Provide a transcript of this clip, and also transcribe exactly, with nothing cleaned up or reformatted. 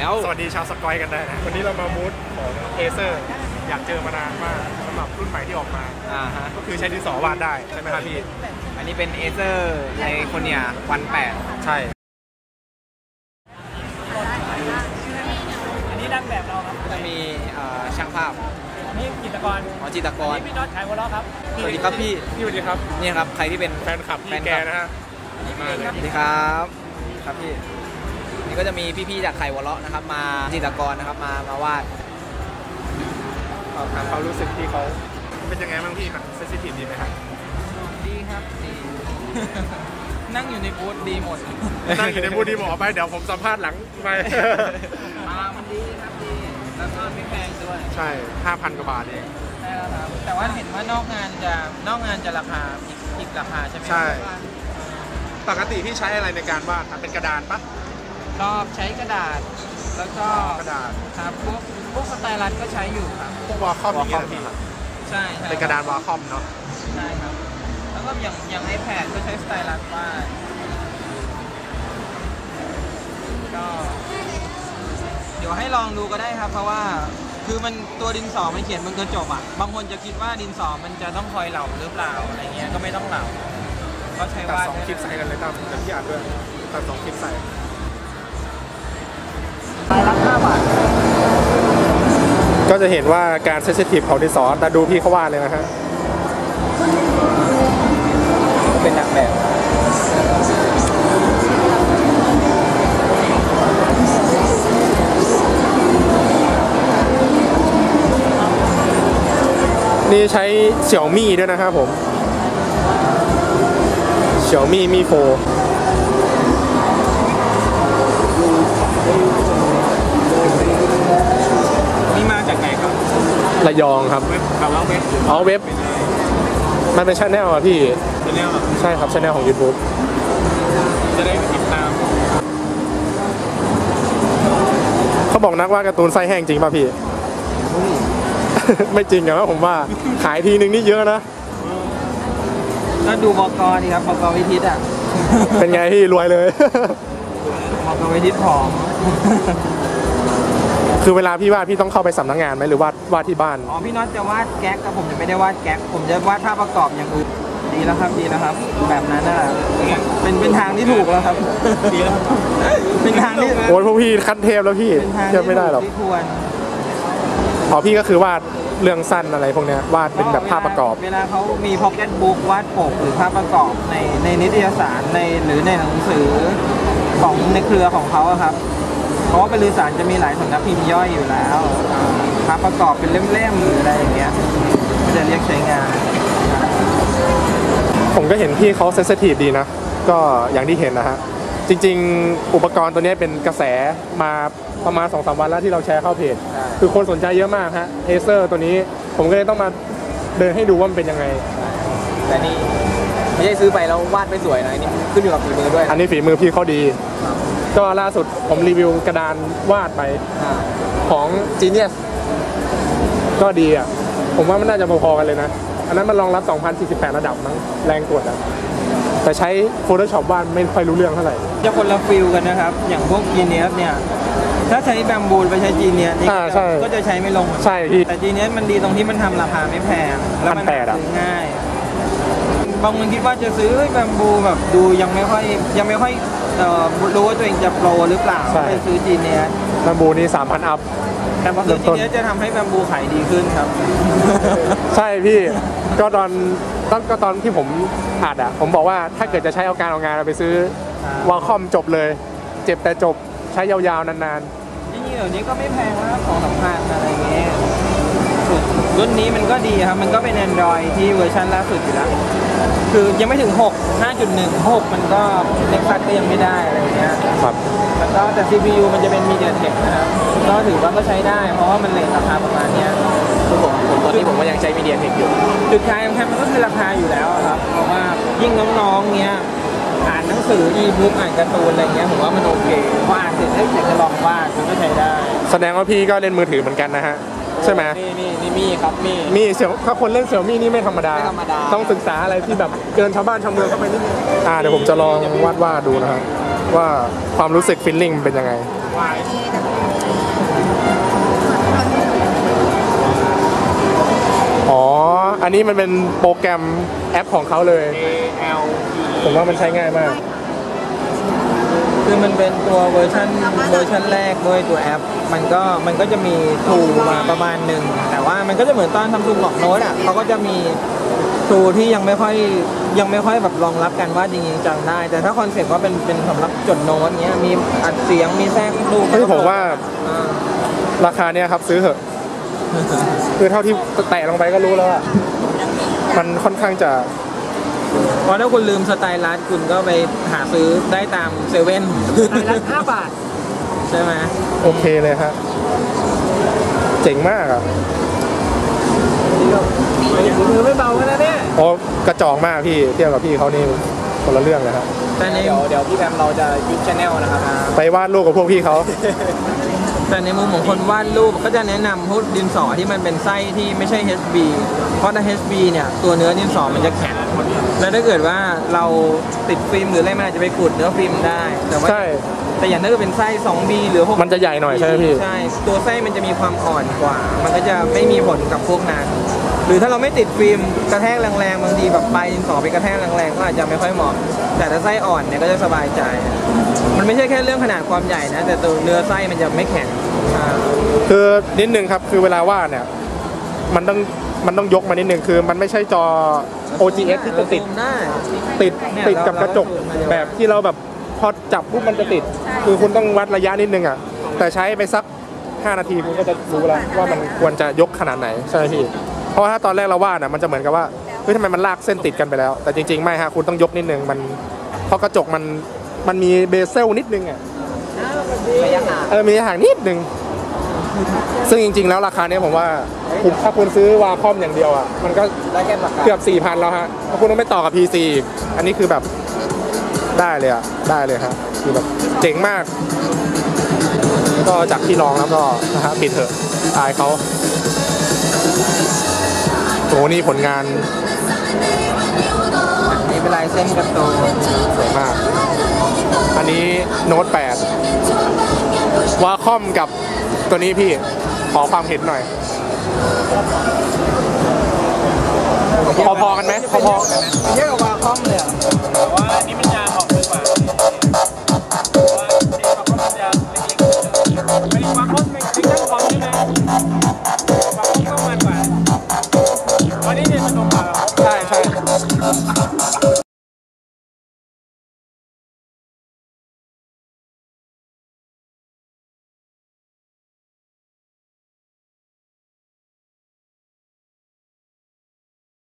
แล้วสวัสดีชาวสกอยกันได้นะวันนี้เรามามูดของเอเซอร์อยากเจอมานานมากสำหรับรุ่นใหม่ที่ออกมาอ่าฮะก็คือใช้ดินสอวาดได้ใช่ไหมครับพี่อันนี้เป็นเอเซอร์ไอโคเนียวันแปดใช่อันนี้นั่งแบบเราครับจะมีช่างภาพนี่จิตรกรอ๋อจิตรกรพี่น็อตขายวอลล์ครับสวัสดีครับพี่พี่สวัสดีครับนี่ครับใครที่เป็นแฟนคลับพี่แกนะฮะมาเลยสวัสดีครับครับพี่นี่ก็จะมีพี่ๆจากไข่วอลล์นะครับมาจิตรกรนะครับมามาวาดถามเขารู้สึกที่เขาเป็นยังไงบ้างพี่มันเซนซิทีฟดีไหมครับดีครับดีนั่งอยู่ในบูธดีหมดนั่งอยู่ในบูธดีหมดไปเดี๋ยวผมสัมภาษณ์หลังไปอ่ามันดีครับดีแล้วก็ไม่แพงด้วยใช่ห้าพันกว่าบาทเองใช่แล้วครับแต่ว่าเห็นว่านอกงานจะนอกงานจะราคาอีกอีกราคาใช่ไหมใช่ปกติพี่ใช้อะไรในการวาดเป็นกระดานปะชอบใช้กระดาษแล้วก็กระดาษครับพวกพวกสไตลัสก็ใช้อยู่ครับพวกวอลคอมอย่างเงี้ยพี่ใช่เป็นกระดานวอลคอมเนาะใช่ครับแล้วก็อย่างอย่างไอแพดก็ใช้สไตลัสวาดก็เดี๋ยวให้ลองดูก็ได้ครับเพราะว่าคือมันตัวดินสอมันเขียนบนกระจกอ่ะบางคนจะคิดว่าดินสอมันจะต้องคอยเหลาหรือเปล่าอะไรเงี้ยก็ไม่ต้องเหลาก็ใช้วาดสองคลิปใส่กันเลยตามแบบที่อ่านด้วยตัดสองคลิปใส่ราคาบาทก็จะเห็นว่าการเซนซิทีฟของดินสอแต่ดูพี่เขาวาดเลยนะฮะเป็นนางแบบนี่ใช้เสี่ยวมี่ด้วยนะครับผมเสี่ยวมี่มีโฟนี่มาจากไหนครับระยองครับเว็บข่าวเว็บอ๋อเว็บมันเป็นชาแนลอะพี่ชาแนลใช่ครับชาแนลของ YouTube จะได้ติดตามเขาบอกนักวาดการ์ตูนไส้แห้งจริงป่ะพี่ไม่จริงอะว่าผมว่าขายทีนึงนี่เยอะนะก็ดูบก.ดีครับบก.วิทิตอ่ะเป็นไงพี่รวยเลยบก.วิทิตผอมคือเวลาพี่วาดพี่ต้องเข้าไปสำนักงานไหมหรือวาดวาดที่บ้านอ๋อพี่น็อตจะวาดแก๊กแต่ผมจะไม่ได้วาดแก๊กผมจะวาดภาพประกอบอย่างอื่นดีแล้วครับดีแล้วครับแบบนั้นน่ะเป็นเป็นทางที่ถูกแล้วครับดีแล้วเป็นทางที่โอ้ยพวกพี่ขั้นเทพแล้วพี่เทียบไม่ได้หรอกอ๋อพี่ก็คือวาดเรื่องสั้นอะไรพวกนี้วาดเป็นแบบภาพประกอบเวลาเขามีพ็อกเก็ตบุ๊กวาดปกหรือภาพประกอบในในนิตยสารในหรือในหนังสือของในเครือของเขาครับเพราะว่าบริษัทจะมีหลายสำนักพิมพ์ย่อยอยู่แล้วภาพประกอบเป็นเล่มๆหรืออะไรอย่างเงี้ยจะเรียกใช้งานผมก็เห็นพี่เขาเซนซิทีฟดีนะก็อย่างที่เห็นนะฮะจริงๆอุปกรณ์ตัวนี้เป็นกระแสมาประมาณ สองสาม วันแล้วที่เราแชร์เข้าเพจคือคนสนใจเยอะมากฮะเอเซอร์ตัวนี้ผมก็เลยต้องมาเดินให้ดูว่ามันเป็นยังไงแต่นี่ไม่ใช่ซื้อไปแล้ววาดไม่สวยนะนี่ขึ้นอยู่กับฝีมือด้วยอันนี้ฝีมือพี่เขาดีก็ล่าสุดผมรีวิวกระดานวาดไปของ Genius ก็ดีอ่ะผมว่ามันน่าจะพอๆกันเลยนะอันนั้นมันรองรับ สองพันสี่สิบแปด ระดับมั้งแรงกดอ่ะแต่ใช้ Photoshop วาดไม่ค่อยรู้เรื่องเท่าไหร่จะคนละฟิลกันนะครับอย่างพวก Genius เนี่ยถ้าใช้แบมบูไปใช้ Genius นี่ก็จะใช้ไม่ลงใช่พี่แต่ Genius มันดีตรงที่มันทำราคาไม่แพงแล้วมันซื้อง่ายบางคนคิดว่าจะซื้อแบมบูแบบดูยังไม่ค่อยยังไม่ค่อยรู้ว่าตัวเองจะโปรหรือเปล่าไปซื้อ Genius แบมบูนี่ สามพัน อัพแต่พอซื้อ Genius จะทำให้แบมบูขายดีขึ้นครับใช่พี่ก็ตอนตอนก็ตอนที่ผมอัดอ่ะผมบอกว่าถ้าเกิดจะใช้เอาการเอางานเราไปซื้อวอลคอมจบเลยเจ็บแต่จบใช้ยาวๆนานๆจริงๆเดี๋ยวนี้ก็ไม่แพงแล้วของสำคัญอะไรเงี้ยรุ่นนี้มันก็ดีครับมันก็เป็น Android ที่เวอร์ชันล่าสุดอยู่แล้วคือยังไม่ถึงหก ห้าจุดหนึ่ง หกมันก็เล็กซัดก็ยังไม่ได้อะไรเงี้ยครับแล้วก็แต่ ซี พี ยู มันจะเป็น MediaTek นะครับก็ถือว่าก็ใช้ได้เพราะว่ามันเลทราคาประมาณนี้ผมผมตอนนี้ผมก็ยังใช้ MediaTek อยู่จุดขายสำคัญมันก็คือราคาอยู่แล้วครับเพราะว่ายิ่งน้องๆเงี้ยอ่านหนังสืออีบุ๊กอ่านการ์ตูนอะไรเงี้ยผมว่ามันโอเคพออ่านเสร็จได้เสร็จจะลองวาดมันก็ใช้ได้แสดงว่าพี่ก็เล่นมือถือเหมือนกันนะฮะใช่ไหมนี่นี่นี่มีครับมีมีเสี่ยวถ้าคนเล่นเสี่ยวมี่นี่ไม่ธรรมดาต้องศึกษาอะไรที่แบบเกินชาวบ้านชาวเมืองเข้าไปนิดนึงอ่าเดี๋ยวผมจะลองวาดวาดดูนะครับว่าความรู้สึกฟีลลิ่งเป็นยังไงอันนี้มันเป็นโปรแกรมแอปของเขาเลย A L ผมว่ามันใช้ง่ายมากคือมันเป็นตัวเวอร์ชันเวอร์ชันแรกด้วยตัวแอป มันก็มันก็จะมีทูมาประมาณหนึ่งแต่ว่ามันก็จะเหมือนตอนทำทูบอกโน้ตอ่ะเขาก็จะมีทูที่ยังไม่ค่อยยังไม่ค่อยแบบรองรับกันว่าจริงๆจังได้ แต่ถ้าคอนเซ็ปต์ว่าเป็นเป็นสำหรับจดโน้ตเนี้ยมีอัดเสียงมีแทรกดูเฮ้ยผมว่าอ่าราคาเนี้ยครับซื้อเถอะ คือเท่าที่แตะลงไปก็รู้แล้วอะมันค่อนข้างจะเพราะถ้าคุณลืมสไตล์ลัดคุณก็ไปหาซื้อได้ตามเซเว่นสไตล์ลัดห้าบาทใช่ไหมโอเคเลยฮะเจ๋งมากอ่ะมือไม่เบานะเนี่ยโอ้กระจอกมากพี่เทียบกับพี่เขานี่คนละเรื่องเลยครับแต่ในเดี๋ยวเดี๋ยวพี่แพมเราจะยุบชแนลนะครับไปวาดรูปกับพวกพี่เขาแต่ในมุมของคนวาดรูปก็จะแนะนำพวกดินสอที่มันเป็นไส้ที่ไม่ใช่ เอช บี เพราะถ้า เอช บี เนี่ยตัวเนื้อดินสอมันจะแข็งแล้วถ้าเกิดว่าเราติดฟิล์มหรืออะไรมันอาจจะไปขูดเนื้อฟิล์มได้แต่ว่าใช่แต่อย่างถ้าเกิดเป็นไส้ สองบี หรือหกมันจะใหญ่หน่อยใช่ไหมพี่ใช่ตัวไส้มันจะมีความอ่อนกว่า มันก็จะไม่มีผลกับพวกนั้นหรือถ้าเราไม่ติดฟิล์มกระแทกแรงๆบางทีแบบปลายดินสอไปกระแทกแรงๆก็อาจจะไม่ค่อยเหมาะแต่ถ้าไส้อ่อนเนี่ยก็จะสบายใจ มันไม่ใช่แค่เรื่องขนาดความใหญ่นะแต่ตัวเนื้อไส้มันจะไม่แข็งอ่าคือนิดนึงครับคือเวลาวาดเนี่ยมันต้องมันต้องยกมานิดนึงคือมันไม่ใช่จอ โอ จี เอส ที่จะติดได้ติดติดกับกระจกแบบที่เราแบบพอจับปุ๊บมันจะติด คือคุณต้องวัดระยะนิดนึงอ่ะแต่ใช้ไปสักห้านาทีคุณก็จะรู้แล้วว่ามันควรจะยกขนาดไหนใช่ไหมพี่เพราะว่าถ้าตอนแรกเราวาดอ่ะมันจะเหมือนกับว่าเฮ้ยทำไมมันลากเส้นติดกันไปแล้ว แต่จริงๆไม่ฮะคุณต้องยกนิดนึงมันเพราะกระจกมันมันมีเบเซลนิดนึงอ่ะระยะห่างเออมีห่างนิดนึงซึ่งจริงๆแล้วราคาเนี้ยผมว่าคุณถ้าคุณซื้อวาคอมอย่างเดียวอ่ะมันก็ได้แค่ปากกาเกือบ สี่พัน แล้วฮะถ้าคุณต้องไม่ต่อกับ พี ซี อีกอันนี้คือแบบได้เลยอ่ะได้เลยฮะคือแบบเจ๋งมากก็จากที่ลองแล้วก็นะฮะปิดเถอะอายเขาโอ้นี่ผลงานนี่เป็นลายเส้นการ์ตูนสวยมาก อันนี้โน้ตแปดวาคอมกับตัวนี้พี่ขอความเห็นหน่อย พอๆกันไหมพอๆเยอะกว่าวาคอมเลยแต่ว่าอันนี้มันจะออกดีกว่าเพราะว่าเวาคอมมันจะเล็กๆไม่วาคอมไม่ใช่คอมใช่ไหมวาคอมก็มันกว่า